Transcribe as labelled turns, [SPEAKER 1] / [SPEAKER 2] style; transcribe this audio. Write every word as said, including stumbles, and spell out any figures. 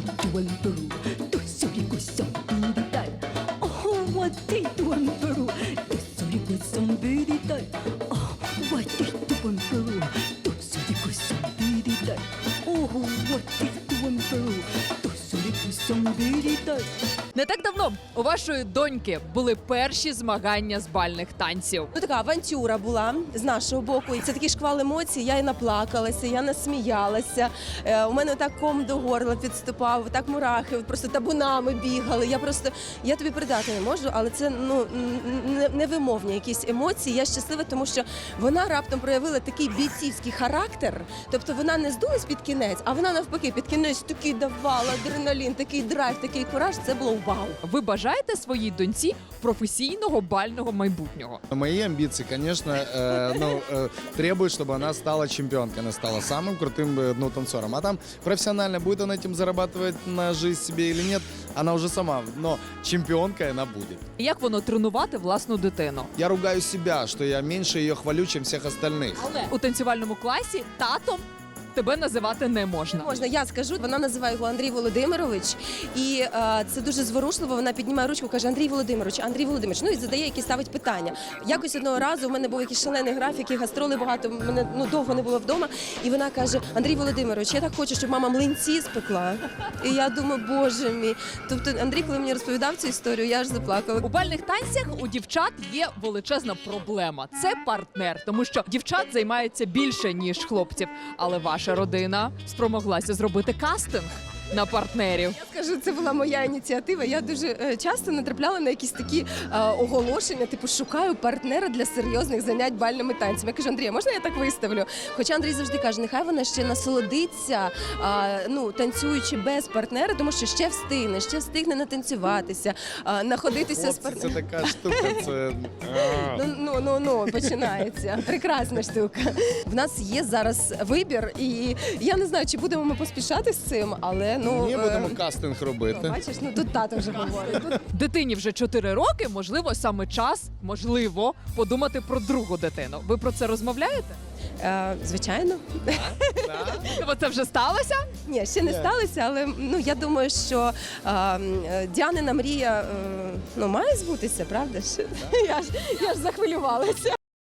[SPEAKER 1] do one Peru, do sorico sombidital. Oh, what they do one Peru, do sorico sombidital. Oh, what they do one Peru, do sorico sombidital. Oh, what they do one Peru, do sorico sombidital.
[SPEAKER 2] Не так давно у вашої доньки були перші змагання з бальних танців.
[SPEAKER 3] Ну, така авантюра була з нашого боку. І це такий шквал емоцій. Я і наплакалася, я насміялася. Е, у мене так ком до горла підступав, так мурахи просто табунами бігали. Я просто, я тобі передати не можу, але це ну не- невимовні якісь емоції. Я щаслива, тому що вона раптом проявила такий бійцівський характер. Тобто вона не здулась під кінець, а вона навпаки під кінець такий давала адреналін, такий драйв, такий кураж. Це було вау.
[SPEAKER 2] Ви бажаєте своїй доньці професійного бального майбутнього?
[SPEAKER 4] Мои амбиции, конечно, э, ну, э, требуют, чтобы она стала чемпионкой, она стала самым крутым э, ну, танцором. А там профессионально будет она этим зарабатывать на жизнь себе или нет, она уже сама, но чемпионкой она будет.
[SPEAKER 2] Як воно тренувати власну дитину?
[SPEAKER 4] Я ругаю себя, что я меньше ее хвалю, чем всех остальных.
[SPEAKER 2] Але у танцювальному класі татом тебе називати не можна.
[SPEAKER 3] Можна, я скажу, вона називає його Андрій Володимирович, і е, це дуже зворушливо. Вона піднімає ручку, каже: Андрій Володимирович, Андрій Володимирович. Ну і задає, які ставить питання. Якось одного разу у мене був якийсь шалений графік, і гастроли багато. Мене ну довго не було вдома. І вона каже: Андрій Володимирович, я так хочу, щоб мама млинці спекла. І я думаю, боже мій. Тобто, Андрій, коли мені розповідав цю історію, я аж заплакала.
[SPEAKER 2] У бальних танцях у дівчат є величезна проблема. Це партнер, тому що дівчат займається більше, ніж хлопців. Але ваша родина спромоглася зробити кастинг на партнерів.
[SPEAKER 3] Я скажу, це була моя ініціатива. Я дуже е, часто натрапляла на якісь такі е, оголошення, типу шукаю партнера для серйозних занять бальними танцями. Я кажу: Андрій, можна я так виставлю? Хоча Андрій завжди каже, нехай вона ще насолодиться, е, ну, танцюючи без партнера, тому що ще встигне, ще встигне натанцюватися, е, находитися з
[SPEAKER 4] Хлопці,
[SPEAKER 3] партнером.
[SPEAKER 4] це така штука, це... а.
[SPEAKER 3] Ну, ну, ну, ну, починається. Прекрасна штука. В нас є зараз вибір, і я не знаю, чи будемо ми поспішати з цим, але ну...
[SPEAKER 4] Ні,
[SPEAKER 3] е,
[SPEAKER 4] будемо кастинг робити.
[SPEAKER 3] Бачиш, ну тут тато вже говорить. Тут
[SPEAKER 2] Дитині вже чотири роки, можливо, саме час, можливо, подумати про другу дитину. Ви про це розмовляєте?
[SPEAKER 3] Е, звичайно.
[SPEAKER 2] Бо це вже сталося?
[SPEAKER 3] Ні, ще не
[SPEAKER 4] Ні.
[SPEAKER 3] сталося, але ну я думаю, що е, е, Діанина мрія е, ну, має збутися, правда ж? Я ж я ж захвилювалася.